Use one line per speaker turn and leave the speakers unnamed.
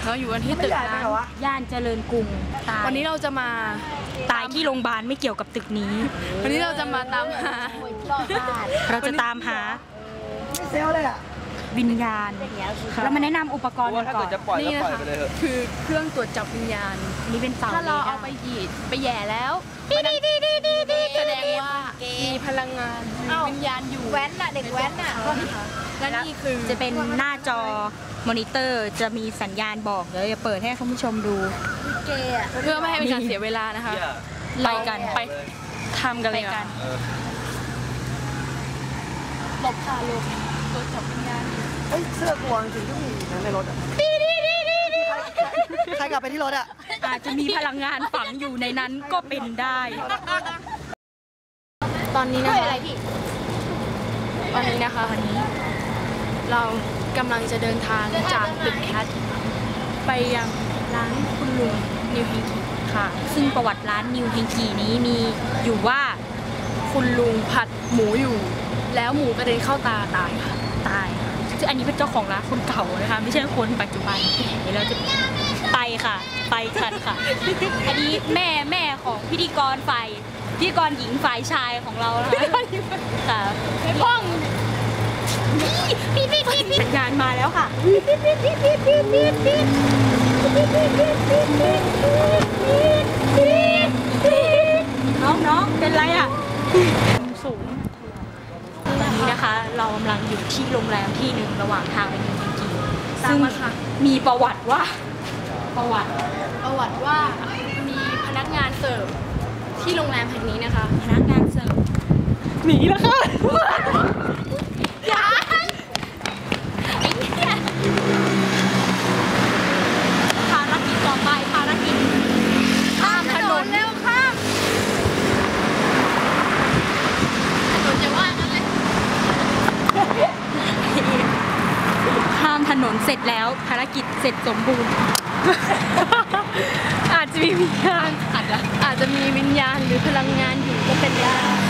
เราอยู่กันที่ตึกร้าง
ย่านเจริญกรุง
วันนี้เราจะมา
ตายที่โรงพยาบาลไม่เกี่ยวกับตึกนี้
วันนี้เราจะมาตามหา
เราจะตามหาวิญญาณแล้วมาแนะนำอุปกรณ์กันก่อน
นี่นะคะคือเครื่องตรวจจับวิญญาณ
นี่เป็นเสา
ถ้าเราเอาไปหยีดไปแย่แล้วแสดงว่ามีพลังงานวิญญาณอยู่
แว้นน่ะเด็กแว้นน่ะ
และนี่คือ
จะเป็นหน้าจอมอนิเตอร์จะมีสัญญาณบอกเดี๋ยวจะเปิดให้คุณผู้ชมดู
เพื่อไม่ให้เป็นการเสียเวลานะคะ
ไปกัน
ไปทำกันเลยกันหลบค่ะหลบตัวจับวิญญาณ
เสื้อกลัวจริงๆที่มีในรถอ่ะใครกลับไปที่รถอ่ะ
อาจจะมีพลังงานฝังอยู่ในนั้นก็เป็นได้
ตอนนี้นะคะวันนี้นะคะเรากำลังจะเดินทางจากตึกแคทไปยังร้านคุณลุงนิวเฮงกี
ค่ะซึ่งประวัติร้านนิวเฮงกีนี้มีอยู่ว่า
คุณลุงผัดหมูอยู่แล้วหมูกระเด็นเข้าตาตายค่ะ
ตายซึ่งอันนี้เป็นเจ้าของร้านคนเก่านะคะไม่ใช่คนปัจจุบันเดี๋ยวเราจะไปค่ะไปกันค่ะอันนี้แม่ของพิธีกรหญิงฝ่ายชายของเรานะคะค่ะ
ห้อง
สัญญาณมาแล้วค่ะน้องเป็นไรอ่ะสูงตอนนี้นะคะเรากำลังอยู่ที่โรงแรมที่หนึ่งระหว่างทางไปนิวเฮงกีซึ่งมีประวัติว่า
มีพนักงานเสิร์ฟที่โรงแรมแห่งนี้นะคะ
พนักงานเสิร์ฟหนีแล้วค่ะภารกิจต่อไปข้ามถนน
เร็วข้ามถนนจะว่างั้นเลย
ข้ามถนนเสร็จแล้วภารกิจเสร็จสมบูรณ์
อาจจะมีวิญญาณหรือพลังงานอยู่ก็เป็นได้